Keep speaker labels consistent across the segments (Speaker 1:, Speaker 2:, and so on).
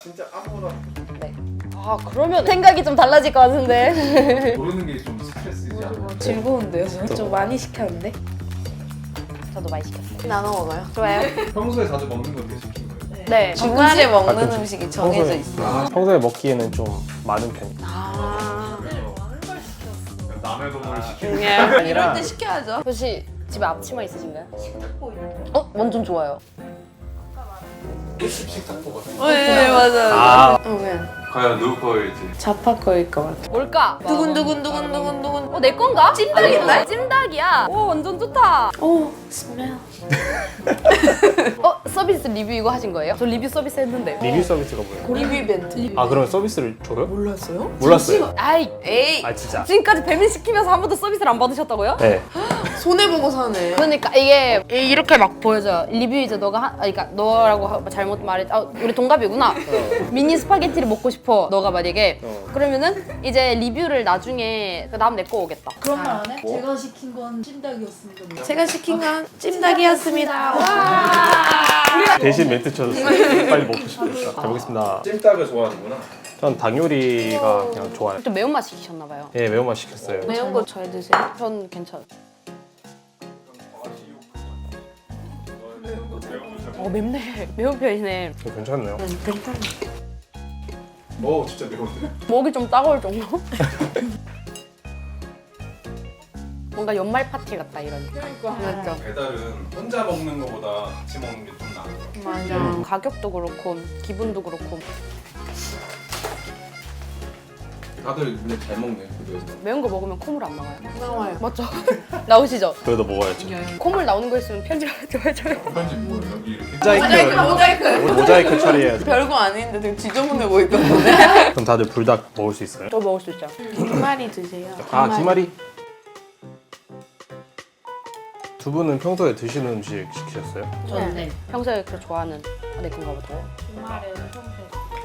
Speaker 1: 진짜 아무거나.
Speaker 2: 네. 아 그러면 생각이 좀 달라질 것 같은데.
Speaker 1: 고르는 게 좀 스트레스이지 않아요?
Speaker 3: 즐거운데요? 좀 많이 시켰는데?
Speaker 2: 저도 많이 시켰어요.
Speaker 3: 나눠 먹어요.
Speaker 2: 좋아요.
Speaker 1: 평소에 자주 먹는 거 되게 시킨 거예요?
Speaker 2: 네.
Speaker 3: 주말에 먹는
Speaker 4: 가끔씩.
Speaker 3: 음식이 정해져 있어.
Speaker 4: 평소에 먹기에는 좀 많은 편이에요.
Speaker 2: 아.
Speaker 1: 남의 돈을 시키는
Speaker 2: 예.
Speaker 3: 이럴 때 시켜야죠.
Speaker 2: 혹시 집에 앞치마 있으신가요? 완전 좋아요.
Speaker 1: 식탁보 같은
Speaker 3: 어, 네, 맞아요.
Speaker 4: 아.
Speaker 3: 왜?
Speaker 1: 과연 누구 거일지.
Speaker 3: 자파 거일 것 같아.
Speaker 2: 뭘까?
Speaker 3: 두근두근두근두근두근.
Speaker 2: 내 건가? 찜닭인데? 찜닭이야. 오 완전 좋다.
Speaker 3: 오, 스멜.
Speaker 2: 서비스 리뷰 이거 하신 거예요? 저 리뷰 서비스 했는데.
Speaker 4: 리뷰 서비스가 뭐예요?
Speaker 3: 리뷰 이벤트.
Speaker 4: 아 그러면 서비스를 줘요?
Speaker 3: 몰랐어요?
Speaker 4: 몰랐어요.
Speaker 2: 아이
Speaker 3: 에이,
Speaker 4: 아 진짜?
Speaker 2: 지금까지 배민 시키면서 한 번도 서비스를 안 받으셨다고요?
Speaker 4: 네.
Speaker 3: 손해보고 사네.
Speaker 2: 그러니까 이게 이렇게 막 보여줘요. 리뷰 이제 너가 그러니까 너라고 잘못 말했. 우리 동갑이구나. 미니 스파게티를 먹고 싶어. 너가 만약에 그러면은 이제 리뷰를 나중에 그 다음 내 거 오겠다.
Speaker 5: 그런 말 안 해? 제가 시킨 건 찜닭이었습니다.
Speaker 3: 제가 시킨 건 찜닭이었습니다.
Speaker 4: 대신 멘트 쳐줬어요. 빨리 먹고 싶으니까. 잘 먹겠습니다.
Speaker 1: 찜닭을 좋아하는구나.
Speaker 4: 전 닭 요리가 그냥 좋아요.
Speaker 2: 좀 매운맛 시키셨나 봐요.
Speaker 4: 예, 매운맛 시켰어요.
Speaker 3: 매운 거 잘 드세요?
Speaker 2: 전 괜찮아요. 맵네. 매운 편이네.
Speaker 4: 괜찮네요.
Speaker 3: 괜찮아.
Speaker 1: 진짜 매운데?
Speaker 2: 목이 좀 따가울 정도? 뭔가 연말 파티 같다 이런. 맞죠?
Speaker 1: 배달은 혼자 먹는 거보다 같이 먹는 게 좀 나아요.
Speaker 3: 맞아.
Speaker 2: 가격도 그렇고 기분도 그렇고
Speaker 1: 다들 근데 잘 먹네 그래서.
Speaker 2: 매운 거 먹으면 콧물 안 나와요.
Speaker 3: 나와요.
Speaker 2: 맞죠? 나오시죠?
Speaker 4: 그래도 먹어야죠.
Speaker 2: 콧물 나오는 거 있으면 편집해줘요.
Speaker 1: 편집 뭐예요? 여기 이렇게?
Speaker 4: 모자이크 처리해야 돼.
Speaker 3: 별거 아닌데 되게 지저분해 보이던데.
Speaker 4: 그럼 다들 불닭 먹을 수 있어요?
Speaker 2: 저 먹을 수 있죠.
Speaker 3: 김말이 드세요.
Speaker 4: 아 김말이. 두 분은 평소에 드시는 음식 시키셨어요?
Speaker 5: 저는 네.
Speaker 2: 평소에 그 좋아하는 내 건가 보다.
Speaker 5: 주말에 평소에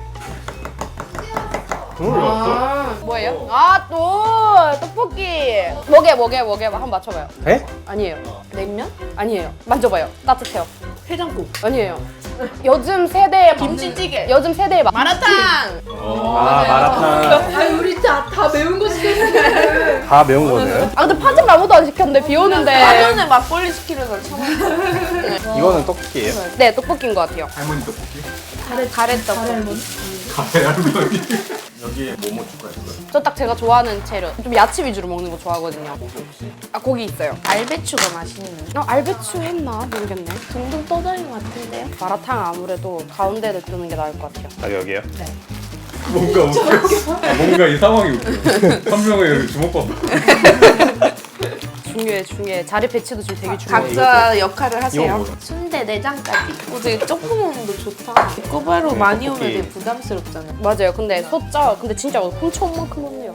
Speaker 2: 뭐예요? 아 또 떡볶이. 뭐게 한번 맞춰봐요.
Speaker 4: 에?
Speaker 2: 아니에요.
Speaker 3: 냉면?
Speaker 2: 아니에요. 만져봐요. 따뜻해요.
Speaker 3: 해장국.
Speaker 2: 아니에요. 요즘 세대의
Speaker 3: 김치찌개.
Speaker 2: 요즘 세대의
Speaker 3: 마라탕.
Speaker 4: 아 마라탕.
Speaker 5: 아니 우리 다 매운 거 시켰는데
Speaker 4: 다 매운 거네요?
Speaker 2: 아 근데 파전 아무도 안 시켰는데 비 오는데.
Speaker 3: 사전에 막걸리 시키려다 참았어.
Speaker 4: 이거는 떡볶이에요?
Speaker 2: 네 떡볶이인 것 같아요.
Speaker 1: 할머니 떡볶이?
Speaker 3: 가래떡.
Speaker 1: 카페 할머니. 여기에 뭐뭐 추가했어요?
Speaker 2: 저 딱 제가 좋아하는 재료. 좀 야채 위주로 먹는 거 좋아하거든요. 아 고기 있어요.
Speaker 3: 알배추가 맛있는.
Speaker 2: 알배추 했나 모르겠네.
Speaker 3: 둥둥 떠다니는 것 같은데요?
Speaker 2: 마라탕 아무래도 가운데를 뜨는 게 나을 것 같아요.
Speaker 4: 아 여기요?
Speaker 1: 뭔가 웃겨. 뭔가 이 상황이 웃겨. 한 명을 이렇게 주먹밥.
Speaker 2: 중요해. 자리 배치도 지금 되게 중요해요.
Speaker 3: 각자 역할을
Speaker 4: 이거
Speaker 3: 하세요.
Speaker 4: 뭐야?
Speaker 3: 순대 내장까지. 되게 조금 오는 거 좋다. 꼬바로 많이 오면 되게 부담스럽잖아요.
Speaker 2: 맞아요. 근데 근데 진짜 훔쳐온 만큼 없네요.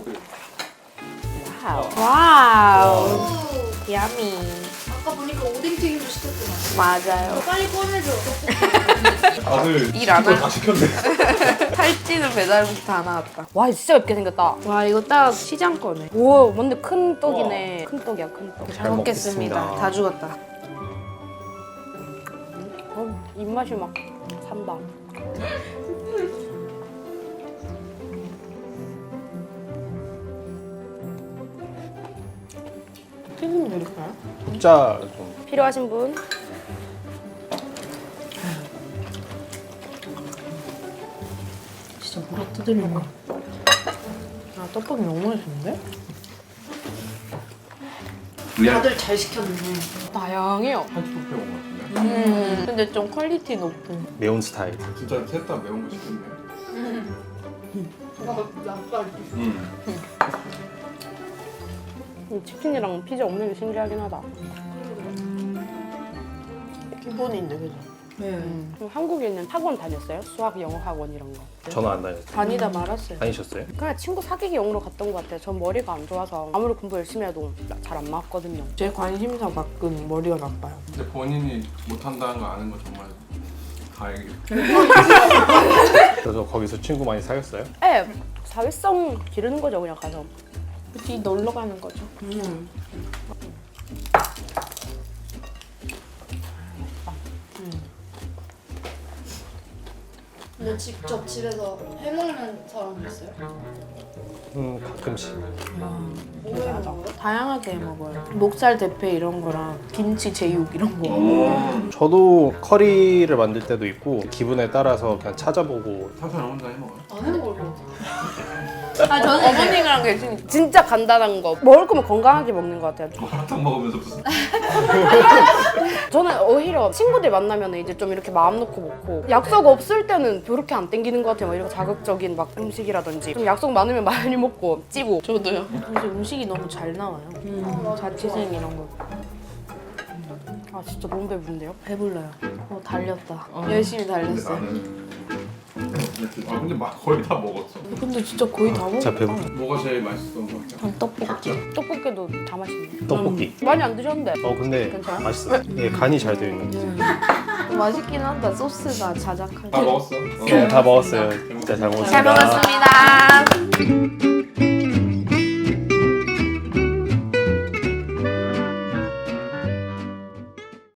Speaker 3: 와우. 야미.
Speaker 5: 아까 보니까 오뎅튀김도 시켰더만.
Speaker 3: 맞아요.
Speaker 5: 빨리 꺼내줘.
Speaker 1: 다들
Speaker 3: 일안
Speaker 1: 시킨
Speaker 3: 하-
Speaker 1: 거다 시켰네.
Speaker 3: 살찌는 배달국 다 나왔다.
Speaker 2: 와 진짜 맵게 생겼다.
Speaker 3: 와 이거 딱 시장 거네.
Speaker 2: 오 뭔데 큰 떡이네. 큰 떡이야 큰 떡.
Speaker 3: 잘 먹겠습니다. 다 죽었다.
Speaker 2: 입맛이 막 산다.
Speaker 3: 튀김 드릴까요?
Speaker 4: 국자 좀.
Speaker 2: 필요하신 분?
Speaker 5: 진짜 물어 뜯으려고.
Speaker 3: 아 떡볶이 너무 맛있는데?
Speaker 5: 다들 잘 시켰는데.
Speaker 2: 다양해요.
Speaker 1: 한식 뷔페 온것 같은데?
Speaker 3: 근데 좀 퀄리티 높은.
Speaker 4: 매운 스타일.
Speaker 1: 진짜 셋 다 매운 거 시켰네.
Speaker 2: 치킨이랑 피자 없는 게 신기하긴 하다.
Speaker 3: 기본인데 그죠?
Speaker 2: 그럼 한국에 있는 학원 다녔어요? 수학, 영어 학원 이런 거.
Speaker 4: 저는 안 다녔어요.
Speaker 3: 다니다 말았어요.
Speaker 4: 다니셨어요?
Speaker 2: 그냥 친구 사귀기 용으로 갔던 것 같아요. 전 머리가 안 좋아서 아무리 공부 열심히 해도 잘 안 맞거든요.
Speaker 3: 제 관심사 밖은 머리가 나빠요.
Speaker 1: 근데 본인이 못한다는 거 아는 거 정말 다행이에요.
Speaker 4: 그래서 거기서 친구 많이 사귀었어요?
Speaker 2: 네, 사회성 기르는 거죠 그냥 가서.
Speaker 3: 그치 놀러 가는 거죠.
Speaker 5: 근데 직접 집에서 해먹는 사람 있어요?
Speaker 4: 가끔씩.
Speaker 5: 뭐 해먹어요?
Speaker 3: 다양하게 해 먹어요. 목살 대패 이런 거랑 김치 제육 이런 거.
Speaker 4: 저도 커리를 만들 때도 있고 기분에 따라서 그냥 찾아보고.
Speaker 1: 사선 혼자 해먹어요?
Speaker 5: 안 해먹을 것 같아.
Speaker 3: 아 저는 어머니랑 계시니까.
Speaker 2: 진짜 간단한 거 먹을 거면 건강하게 먹는 것 같아요.
Speaker 1: 마라탕 먹으면서 무슨
Speaker 2: 저는 오히려 친구들 만나면 이제 좀 이렇게 마음 놓고 먹고 약속 없을 때는 그렇게 안 땡기는 것 같아요. 막 이런 자극적인 막 음식이라든지 좀 약속 많으면 많이 먹고 찌고.
Speaker 3: 저도요. 요새 음식이 너무 잘 나와요. 자취생 이런 거.
Speaker 2: 아 진짜 너무 배부른데요?
Speaker 3: 배불러요. 달렸다. 열심히 달렸어요.
Speaker 1: 근데 거의 다 먹었어.
Speaker 3: 근데 진짜 거의 다
Speaker 4: 진짜
Speaker 3: 먹었다.
Speaker 4: 배부.
Speaker 1: 뭐가 제일 맛있었던 것 같아?
Speaker 3: 떡볶이.
Speaker 2: 떡볶이도 다 맛있네.
Speaker 4: 떡볶이.
Speaker 2: 많이 안 드셨는데.
Speaker 4: 근데
Speaker 2: 괜찮아?
Speaker 4: 맛있어. 예, 간이 잘 되어 있는.
Speaker 3: 맛있긴 한다. 소스가 자작하게.
Speaker 1: 다 먹었어.
Speaker 4: 다 먹었어요. 진짜 잘 먹었습니다.
Speaker 3: 잘 먹었습니다.